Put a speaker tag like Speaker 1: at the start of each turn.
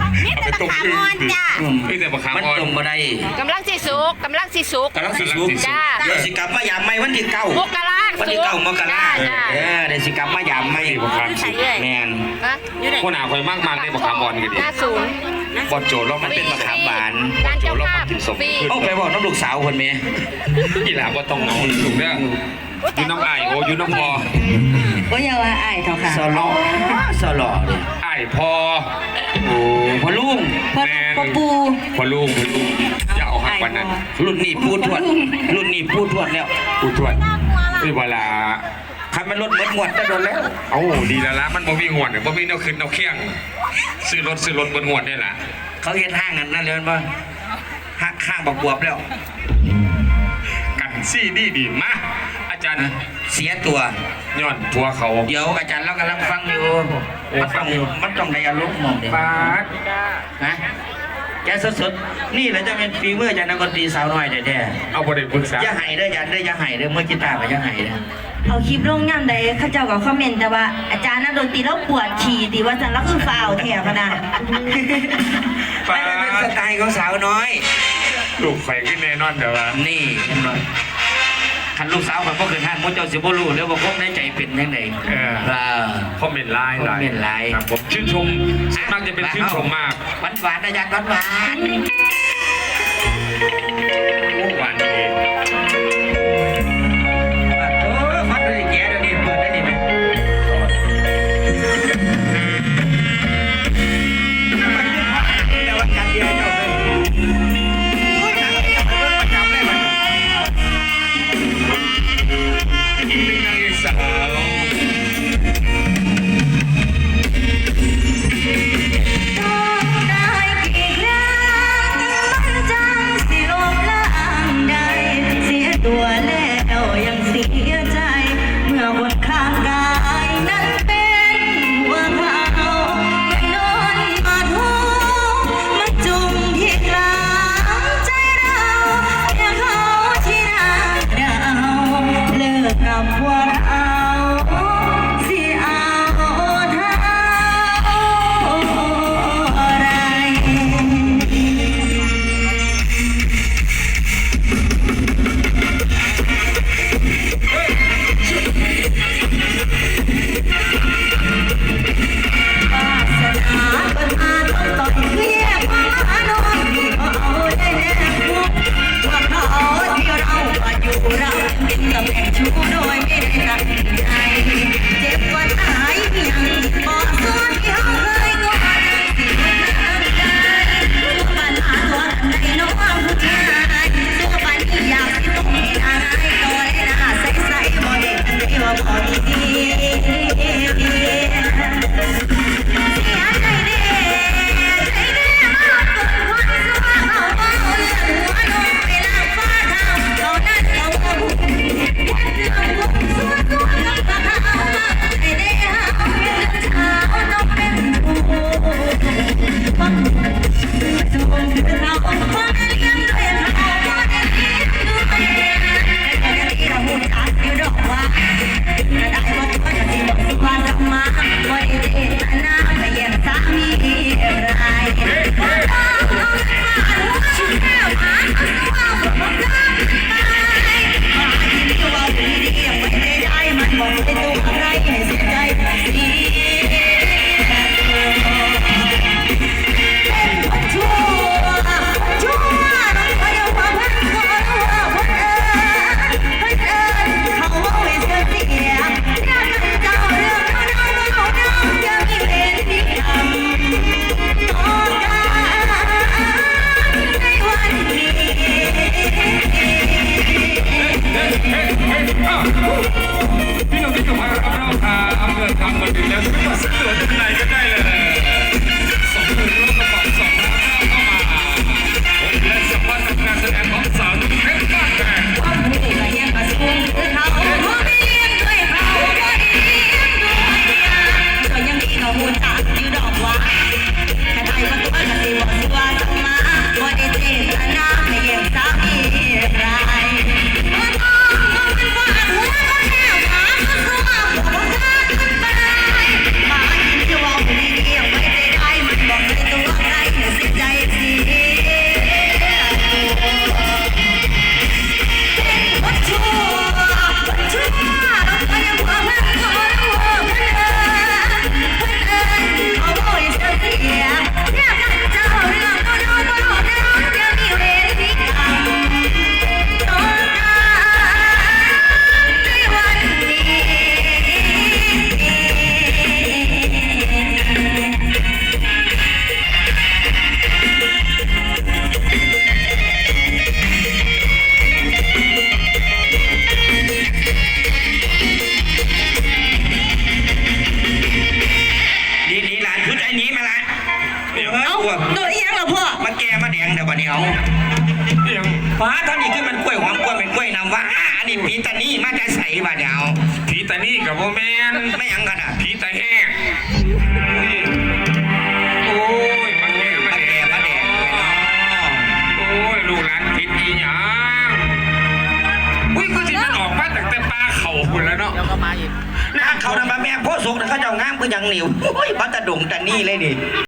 Speaker 1: นี่แต่ตะขาบอ่อนจ้า
Speaker 2: ไม่แต่ประคำ
Speaker 3: มัน
Speaker 2: อ่อน
Speaker 3: ตรงบ่ได้
Speaker 4: กำลังสิสุก
Speaker 3: กำลังสิสุก
Speaker 4: จ้า
Speaker 3: เดี๋ยวสิกลับมายามใหม่วันที่ 9
Speaker 4: มกรา
Speaker 3: วันที่9 มกรา
Speaker 4: จ้า
Speaker 3: เดี๋ยวสิกลับมายามใหม่
Speaker 1: ใส่เลย
Speaker 3: แม่น
Speaker 1: อยู่ไหน
Speaker 2: คนหนาคอยมากได้ประคำอ่อนกันดิ
Speaker 4: หน้าศูนย์
Speaker 2: บอดโจรแล้ว
Speaker 3: มั
Speaker 2: มัน น
Speaker 3: เป็
Speaker 2: เป็น น
Speaker 3: มะขามหวาน
Speaker 4: ร้านเจ้าภาพฟรี
Speaker 3: โอ้ไปบอกน้ำลูกสาวคนแม่
Speaker 2: กีฬาบ่ต้องเอาถูกเด้อยูน้ำไอโอยูน้ำพอ
Speaker 1: ก็อย่าว่าอายเขาค่ะ
Speaker 3: สลอสลอเนี่ย
Speaker 2: ไอพอ
Speaker 3: โอ้พอลุง
Speaker 1: พ่อปู
Speaker 2: พอลูกอย่าเอาหักวันนั้น
Speaker 3: รุ่นนี้พูดทวดรุ่นนี้พูดทวดแล้ว
Speaker 2: กูทวดเวลา
Speaker 3: คันมันรถหมดจะโดนแล้ว
Speaker 2: เอ้าดีแล้วละมันบ่มีหวดบ่มีแนวขึ้นแนวเคียงซื้อรถบนหวดได้ละ
Speaker 3: เขาเห็นห้างกันนั่นเลยมั้ยห้างบักบวบแล้ว
Speaker 2: กันซี่ดีมาอาจารย์
Speaker 3: เสียตัว
Speaker 2: ย้อนผัวเขา
Speaker 3: เดี๋ยวอาจารย์เรากำลังฟังอยู่มันต้องในอารมณ์มองเด็ก
Speaker 2: ปาด
Speaker 3: นะแกสดๆนี่แหละจะเป็นฝีมืออาจารย์นักดนตรีสาวน้อยแท้
Speaker 2: เอาบ่ได้ปรึกษา
Speaker 3: ๆอย่าให้เด้ออาจารย์เด้ออย่าให้เด้อเมื่อกีตาร์ก็อย่าให้เด้อ
Speaker 1: เอาคลิปลงย่ำใดเข้าเจ้ากับคอมเมนต์แต่ว่าอาจารย์นักดนตรีแล้วปวดขี่ตีว่าจันแล้วคือฟาวแถวขนาด
Speaker 3: ไม่ได้เป็นสไตล์ของสาวน้อย
Speaker 2: ลูกไฟขึ้นแน่นอนเดี๋ยวว่า
Speaker 3: นี่เห็นบ่คันลูกสาวข่อยบ่เคยทานบ่เจ้าสิบ่รู้เลยว่าความในใจเป็นจังได๋
Speaker 2: คอมเมนต์ไลน์
Speaker 3: คอมเมนต์ไลน์
Speaker 2: ครับผมชื่นชมมากจะเป็นชื่นชมมาก
Speaker 3: หวานๆอาจารย์หวาน
Speaker 2: หวานเอง
Speaker 3: ๆโอ้ฟัดได้แก่เดี๋ยวนี้เปิดได้นี่แม่แต่ว่ากันเดียวเจ้าเลยโอ้ยหนังประจำเลยมัน
Speaker 2: อีกหนึ่งนางเอกสาว
Speaker 1: ได้กี่ครั้งมันจังสิลงเอ้าโดนอีหยังเหรอพ่อ
Speaker 3: มาแก่มาแดงเดี๋ยวบัดนี้เอา
Speaker 2: เอียง
Speaker 3: ฟ้าตอนนี้คือมันกล้วยหอมกล้วยเป็นกล้วยน้ำว้าอันนี้ผีตานี่มาจะใส่บัดนี้เอา
Speaker 2: ผีตานี่กับโบแมน
Speaker 3: ไม่หยังกันอ่ะ
Speaker 2: ผีตาแห้งโอ้ยมาแก่มา
Speaker 3: มา
Speaker 2: แด
Speaker 3: แก่
Speaker 2: ง
Speaker 3: มาแดงเลยเนาะ
Speaker 2: โอ้ยลูกหลานผิดอีหยังอุ้ยก็สิมันออกมาจากแต่ปลาเข่าคุณแล้วเนาะ
Speaker 3: นะเขานำมาแม่โพสุกนะเขาเจ้างามก็ยังเหนียวโอ้ยบัตรดงแต่นี่เลยนี่